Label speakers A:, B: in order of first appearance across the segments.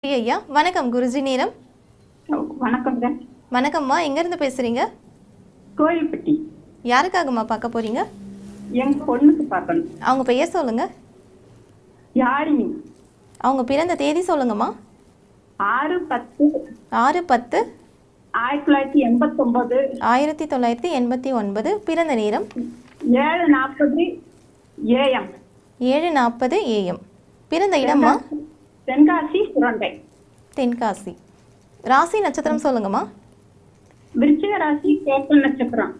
A: ஐயா வணக்கம் குருஜி நேரம்.
B: வணக்கம்ங்க.
A: வணக்கம்மா, எங்கேருந்து பேசுகிறீங்க?
B: கோயில்பட்டி.
A: யாருக்காகம்மா பார்க்க போகிறீங்க?
B: என் பொண்ணுக்கு பார்க்கணும்.
A: அவங்க பெயர் சொல்லுங்க.
B: யாழினி.
A: அவங்க பிறந்த தேதி சொல்லுங்கம்மா.
B: 6/10.
A: 6/10.
B: 1989.
A: 1989. பிறந்த நேரம்
B: 7:40 AM.
A: 7:40 AM. பிறந்த இடம்மா?
B: தென்காசி சுரண்டை.
A: தென்காசி. ராசி நட்சத்திரம் சொல்லுங்கம்மா.
B: விருச்சிக ராசி கேட்ட நட்சத்திரம்.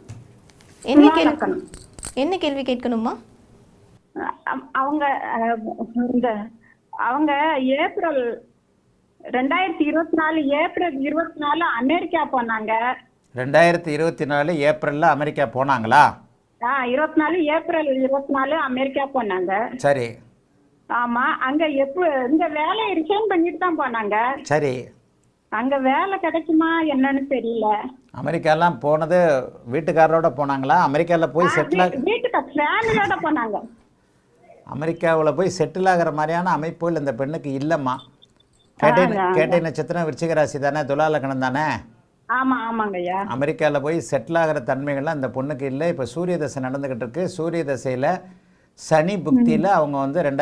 A: என்ன கேள்வி கேட்கணுமா?
B: அவங்க அவங்க ஏப்ரல் 2024 ஏப்ரல் 24 அமெரிக்கா போனாங்க.
C: 2024 ஏப்ரல்ல அமெரிக்கா போனாங்களா?
B: 24 ஏப்ரல் 24 அமெரிக்கா போனாங்க.
C: சரி.
B: ஆமா, அங்க இந்த வேலையை ரிசைன் பண்ணிட்டு தான் போனாங்க.
C: சரி.
B: அங்க வேலை கிடைக்குமா என்னன்னு தெரியல.
C: அமெரிக்காலாம் போனது வீட்டுக்காரரோட போனாங்களா? அமெரிக்காவில் போய் செட்டில்
B: ஃபேமிலியோட போனாங்க.
C: அமெரிக்காவில் போய் செட்டில் ஆகிற மாதிரியான அமைப்புகள் இந்த பெண்ணுக்கு இல்லைம்மா. கேட்டை நட்சத்திரம் விருச்சிக ராசி தானே, துலா லக்னம் தானே?
B: ஆமா ஆமாங்க ஐயா.
C: அமெரிக்காவில் போய் செட்டில் ஆகிற தன்மைகள்லாம் இந்த பொண்ணுக்கு இல்லை. இப்போ சூரிய தசை நடந்துக்கிட்டு இருக்கு. சூரிய தசையில் சனி புக்தியில் அவங்க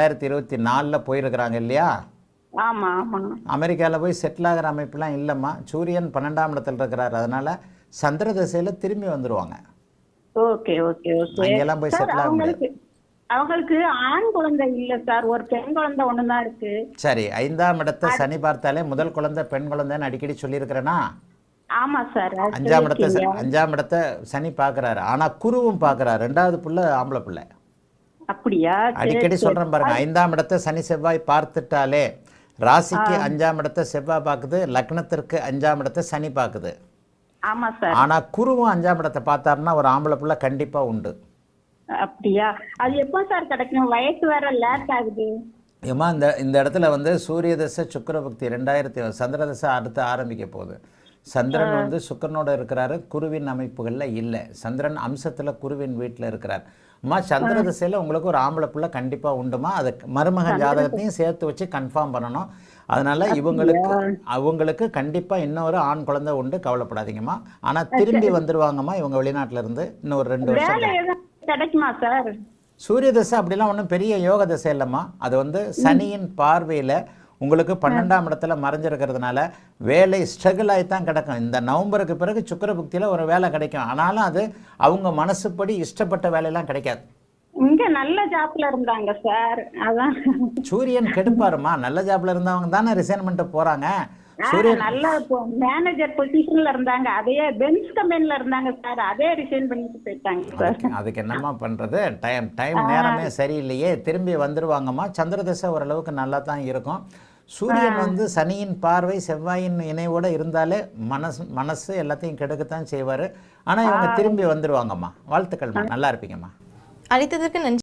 C: 2024 போயிருக்கிறாங்க இல்லையா?
B: ஆமா ஆமா.
C: அமெரிக்காவில் போய் செட்டில் ஆகிற அமைப்புலாம் இல்லைம்மா. சூரியன் 12ஆம் இடத்துல இருக்கிறார். அதனால சந்திர தசையில் திரும்பி வந்துடுவாங்க.
B: Okay okay okay.
C: அங்கெல்லாம் போய் செட்டில் ஆக முடியாது.
B: அவங்களுக்கு ஆண் குழந்தை இல்ல சார், ஒரு பெண் குழந்தை ஒண்ணுதான் இருக்கு.
C: சரி, 5ஆம் இடத்தை சனி பார்த்தாலே முதல் குழந்தை பெண் குழந்தைன்னு அடிக்கடி சொல்லியிருக்கிறேன்னா?
B: ஆமா சார்.
C: 5ஆம் இடத்தை சனி பார்க்குறாரு. ஆனால் குருவும் பார்க்குறாரு. 2வது பிள்ளை ஆம்பளை பிள்ளை.
B: அப்படியா?
C: அடிக்கடி சொல்கிறேன் பாருங்க, 5ஆம் இடத்தை சனி செவ்வாய் பார்த்துட்டாலே ராசிக்கு 5ஆம் இடத்தை செவ்வாய் பார்க்குது, லக்னத்திற்கு 5ஆம் இடத்தை சனி பார்க்குது.
B: ஆமா சார்.
C: ஆனால் குருவும் 5ஆம் இடத்தை பார்த்தாருன்னா ஒரு ஆம்பளை பிள்ளை கண்டிப்பாக உண்டு.
B: அப்படியா? அது எப்போ சார் கிடைக்கும்? வயசு வேற லேட் ஆகுது.
C: ஏமா இந்த இடத்துல சூரிய தசை சுக்கிர பக்தி 2000 சந்திர தசை அடுத்து ஆரம்பிக்க போகுது. சந்திரன் சுக்கிரனோட இருக்கிறாரு, குருவின் அமைப்புகளில் இல்லை. சந்திரன் அம்சத்தில் குருவின் வீட்டில் இருக்கிறார். அம்மா சந்திர திசையில் உங்களுக்கு ஒரு ஆம்பளை பிள்ளை கண்டிப்பாக உண்டுமா. அது மருமகன் ஜாதகத்தையும் சேர்த்து வச்சு கன்ஃபார்ம் பண்ணணும். அதனால அவங்களுக்கு கண்டிப்பாக இன்னொரு ஆண் குழந்தை உண்டு, கவலைப்படாதீங்கம்மா. ஆனால் திரும்பி வந்துடுவாங்கம்மா இவங்க வெளிநாட்டில இருந்து. இன்னொரு 2 வருஷம்
B: கிடைக்குமா சார்?
C: சூரிய தசை அப்படிலாம் ஒன்றும் பெரிய யோக தசை இல்லைம்மா. அது சனியின் பார்வையில் உங்களுக்கு 12ஆம் இடத்துல மறைஞ்சிருக்கிறதுனால வேலை ஸ்ட்ரகிள் ஆகி தான் கிடக்கும். இந்த நவம்பருக்கு பிறகு சுக்கிர புக்தியில் ஒரு வேலை கிடைக்கும். ஆனாலும் அது அவங்க மனசுப்படி இஷ்டப்பட்ட வேலையெல்லாம் கிடைக்காது.
B: இங்க நல்ல ஜாப்ல இருந்தாங்க சார். அதான்
C: சூரியன் கெடுப்பாருமா. நல்ல ஜாப்ல இருந்தவங்க தானே ரிசைன் பண்ணிட்டு போறாங்க.
B: சூரியன் நல்ல மேனேஜர் பொசிஷன்ல இருந்தாங்க. அதே பென்ஸ் கம்பெனில இருந்தாங்க சார். அதே ரிசைன் பண்ணிட்டு போயிட்டாங்க சார்.
C: அதுக்கு என்னம்மா பண்றது? டைம் நேரமே சரியில்லையே. திரும்பி வந்துடுவாங்கம்மா. சந்திர தசை ஓரளவுக்கு நல்லா தான் இருக்கும். சூரியன் சனியின் பார்வை செவ்வாயின் இணைவோட இருந்தாலே மனசு எல்லாத்தையும் கெடுக்கத்தான் செய்வார். ஆனால் இவங்க திரும்பி வந்துடுவாங்கம்மா. வாழ்த்துக்கள்மா, நல்லா இருப்பீங்கம்மா.
A: அழைத்ததற்கு நன்றி.